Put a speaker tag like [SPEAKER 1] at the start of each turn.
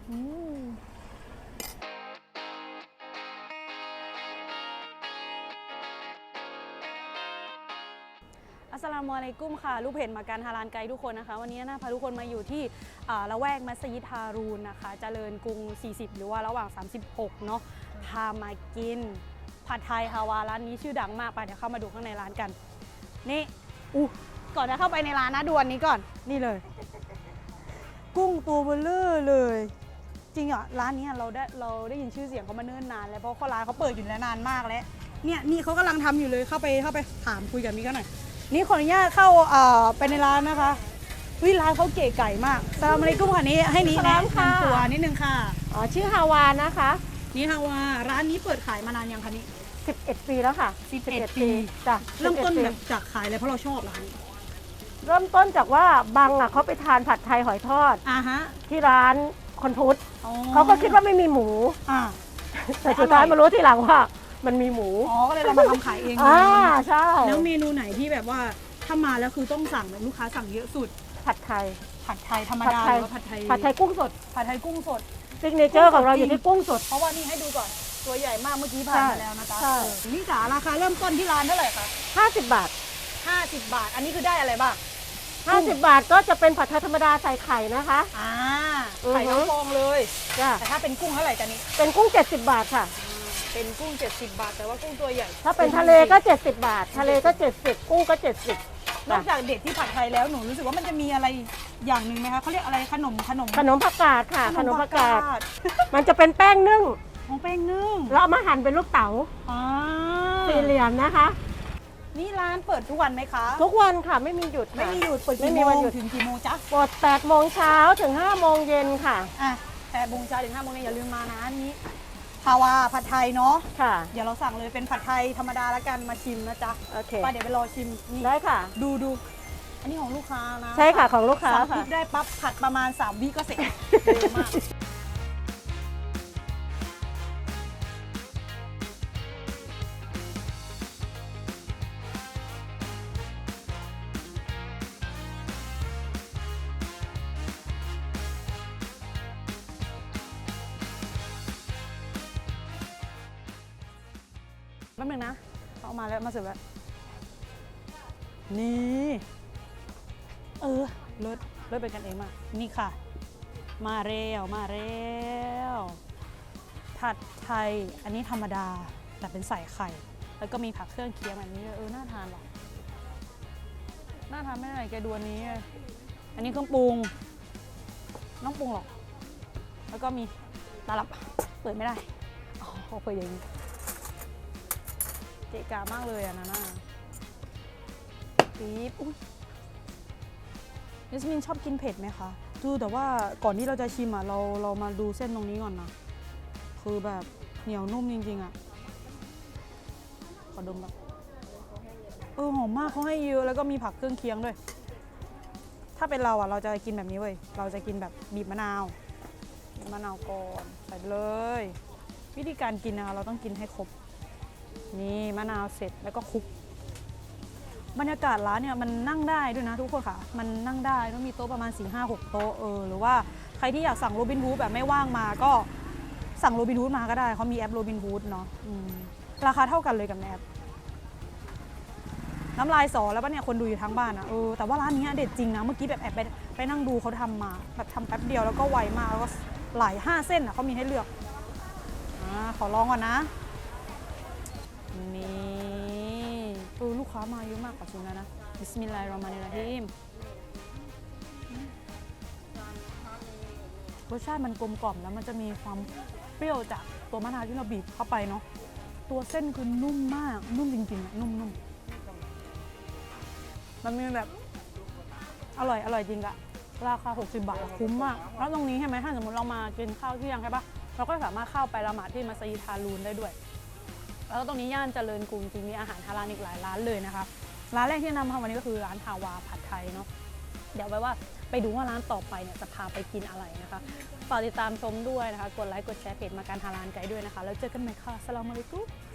[SPEAKER 1] อัสสลามุอะลัยกุมค่ะลูกเพจมาการฮาลาลไกด์ทุกคนนะคะวันนี้น่าพาทุกคนมาอยู่ที่ละแวกมัสยิดฮารูนนะคะเจริญกรุง40หรือว่าระหว่าง36เนาะพามากินผัดไทยฮาวาร้านนี้ชื่อดังมากไปเดี๋ยวเข้ามาดูข้างในร้านกันนี่ก่อนจะเข้าไปในร้านนะดูอันนี้ก่อนนี่เลยกุ้งตัวเบลเลอร์เลยจริงอ่ะร้านนี้เราได้ยินชื่อเสียงเขามาเนิ่นนานแล้วเพราะร้านเขาเปิดอยู่แล้วนานมากแล้วเนี่ยนี่เขากำลังทำอยู่เลยเข้าไปถามคุยกับมิกหน่อยนี่ขออนุญาตเข้าไปในร้านนะคะร้านเขาเก๋ไก่มากสลามอะลัยกุมค่ะนี้ให้นี้แนะนำตัวนิดนึงค่ะ
[SPEAKER 2] ชื่อฮาวานะคะ
[SPEAKER 1] นี่ฮาวาร้านนี้เปิดขายมานานยังคะนี่
[SPEAKER 2] 11 ปีแล้วค่ะ
[SPEAKER 1] 11 ปี
[SPEAKER 2] จ้ะ
[SPEAKER 1] เริ่มต้นแบบจากขายเลยเพราะเราชอบร้าน
[SPEAKER 2] เริ่มต้นจากว่าบังเขาไปทานผัดไทยหอยทอดที่ร้านคนพุทธเขาก็คิดว่าไม่มีหมูแต่สุดท้ายมารู้ทีหลังว่ามันมีหมู
[SPEAKER 1] ก็เลยเรามาทำขายเอง
[SPEAKER 2] ใช่
[SPEAKER 1] แล้วเมนูไหนที่แบบว่าถ้ามาแล้วคือต้องสั่งแบบลูกค้าสั่งเยอะสุด
[SPEAKER 2] ผัดไทย
[SPEAKER 1] ธรรมดาหรือว่าผัดไทย
[SPEAKER 2] กุ้งสดซิกเนเจอร์ของเราอยู่ที่กุ้งสด
[SPEAKER 1] เพราะว่านี่ให้ดูก่อนตัวใหญ่มากเมื่อกี้ผ่านมาแล้วนะจ๊ะนี่จ๋าราคาเริ่มต้นที่ร้านเท่าไหร่คะ
[SPEAKER 2] 50 บาท
[SPEAKER 1] 50 บาทอันนี้คือได้อะไรบ้าง
[SPEAKER 2] 50 บาทก็จะเป็นผัดไทยธรรมดาใส่ไข่นะคะ
[SPEAKER 1] ไข่ทั้งฟองเลยแต่ถ้าเป็นกุ้งเท่าไหร่จ๊ะนี่
[SPEAKER 2] เป็นกุ้ง70 บาทค่ะ
[SPEAKER 1] เป็นกุ้ง70 บาทแต่ว่ากุ้งตัวใหญ่
[SPEAKER 2] ถ้าเป็นทะเลก็70 บาททะเลก็70กุ้งก็70
[SPEAKER 1] นอกจากเด็ดที่ผัดไทยแล้วหนูรู้สึกว่ามันจะมีอะไรอย่างหนึ่งไหมคะเขาเรียกอะไรขนม
[SPEAKER 2] ผักกาดค่ะขนมผักกาดมันจะเป็นแป้งนึ่ง
[SPEAKER 1] แป้งนึ่ง
[SPEAKER 2] แล้วเอามาหั่นเป็นลูกเต๋าสี่เหลี่ยมนะคะ
[SPEAKER 1] นี่ร้านเปิดทุกวันไหมคะ
[SPEAKER 2] ทุกวันค่ะไม่มีหยุด
[SPEAKER 1] ไม่มีหยุดเปิดกี่โมงถึงกี่โมงจ๊ะ
[SPEAKER 2] เปิด8 โมงเช้าถึง5 โมงเย็นค่ะ
[SPEAKER 1] 8 โมงเช้าถึง5 โมงเย็นอย่าลืมมานะนี้ฮาวาผัดไทยเนาะ
[SPEAKER 2] ค่ะ
[SPEAKER 1] เดี๋ยวเราสั่งเลยเป็นผัดไทยธรรมดาแล้วกันมาชิมนะจ๊ะ
[SPEAKER 2] โอเค
[SPEAKER 1] ไปเดี๋ยวไปรอชิม
[SPEAKER 2] ได้ค่ะ
[SPEAKER 1] ดูอันนี้ของลูกค้านะ
[SPEAKER 2] ใช่ค่ะของลูกค้า
[SPEAKER 1] ค่ะได้ปั๊บผัดประมาณ3 วิก็เสร็จเร็วมากแป๊บนึงนะเอามาแล้วมาเสิร์ฟแล้วนี่เลิศเป็นกันเองมากนี่ค่ะมาเร็วผัดไทยอันนี้ธรรมดาแต่เป็นใส่ไข่แล้วก็มีผักเครื่องเคียงแบบนี้น่าทานหรอน่าทานไม่ไหนแกดูอันนี้อันนี้เครื่องปรุงน้องปรุงหรอกแล้วก็มีตลับเปิดไม่ได้เปิดอย่างนี้เกะกะมากเลยนะน่าปี๊บยัสมินชอบกินเผ็ดไหมคะแต่ว่าก่อนที่เราจะชิมเรามาดูเส้นตรงนี้ก่อนนะคือแบบเหนียวนุ่มจริงๆขอดมแบบหอมมากเขาให้เยอะแล้วก็มีผักเครื่องเคียงด้วยถ้าเป็นเราเราจะกินแบบนี้เว้ยเราจะกินแบบบีบมะนาวก่อนใส่เลยวิธีการกินนะคะเราต้องกินให้ครบนี่มะนาวเสร็จแล้วก็คลุกบรรยากาศร้านเนี่ยมันนั่งได้ด้วยนะทุกคนค่ะมันนั่งได้ต้องมีโต๊ะประมาณ 4-5-6 โต๊ะหรือว่าใครที่อยากสั่งโรบินฮูดแบบไม่ว่างมาก็สั่งโรบินฮูดมาก็ได้เขามีแอปโรบินฮูดเนาะราคาเท่ากันเลยกับแอปน้ำลายสอแล้วป่ะเนี่ยคนดูอยู่ทั้งบ้านนะแต่ว่าร้านนี้เด็ดจริงนะเมื่อกี้แบบแอบไปนั่งดูเขาทำมาแบบทำแป๊บเดียวแล้วก็ไวมากแล้วก็หลาย5 เส้นเขามีให้เลือกขอลองก่อนนะนี่ลูกค้ามาเยอะมากกว่าชิมแล้วนะบิสมิลลาฮิรเราะห์มานิรเราะฮีมรสชาติมันกลมกล่อมแล้วมันจะมีความเปรี้ยวจากตัวมะนาวที่เราบีบเข้าไปเนาะตัวเส้นคือนุ่มมากนุ่มจริงๆนุ่มมันมีแบบอร่อยจริงอะราคา60 บาทคุ้มมากแล้วตรงนี้ใช่ไหมถ้าสมมติเรามากินข้าวเที่ยงใช่ปะเราก็สามารถเข้าไปละหมาดที่มัสยิดฮารูนได้ด้วยแล้วก็ตรงนี้ย่านเจริญกรุงจริงมีอาหารฮาลาลอีกหลายร้านเลยนะคะร้านแรกที่นำมาวันนี้ก็คือร้านฮาวาผัดไทยเนาะเดี๋ยวไว้ว่าไปดูว่าร้านต่อไปเนี่ยจะพาไปกินอะไรนะคะฝากติดตามชมด้วยนะคะกดไลค์กดแชร์เพจมาการฮาลาลไกด์ด้วยนะคะแล้วเจอกันใหม่ค่ะอัสสลามุอะลัยกุม